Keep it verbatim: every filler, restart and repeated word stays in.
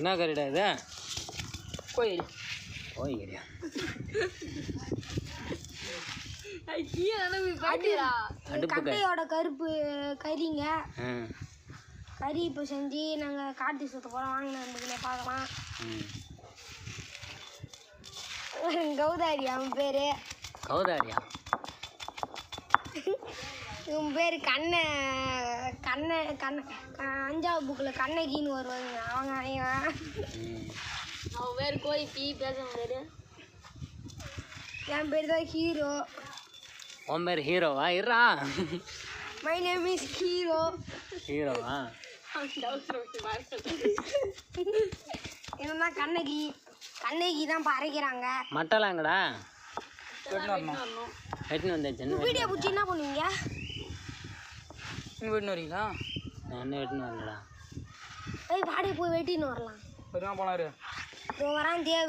என்ன கறிடா இது? கோயில் கோழி கறியா? கட்டையோட கருப்பு கறிங்க. கறி இப்போ செஞ்சு நாங்கள் காட்டி சுத்த போகிறோம். வாங்க நண்பர்களே பார்க்கலாம். கௌதாரி அவன் பேர். கௌதாரியா? இவன் பேர் கண்ணை கண்ணை கண்ணை அஞ்சாவது புக்கில் கண்ணகின்னு வருவாங்க. அவங்க அவன் பேர் கோழி பீ பேச பேர். என் பேர் தான் ஹீரோ. உன் பேர் ஹீரோவா? இருறா. My name is hero. ஹீரோவா? என்னன்னா கண்ணகி கண்ணகி தான் பறைக்கிறாங்க. மட்டலாம் எங்கடா? வெட்டின்னு வந்தாச்சு. வீடியோ பிடிச்சி என்ன பண்ணுவீங்க? நீங்கள் வெட்டின்னு வரீங்களா? நான் என்ன வெட்டின்னு வரலடா. ஏய் வாடகை போய் வெட்டின்னு வரலாம். பெருமா போனாரு வரான் தேவை.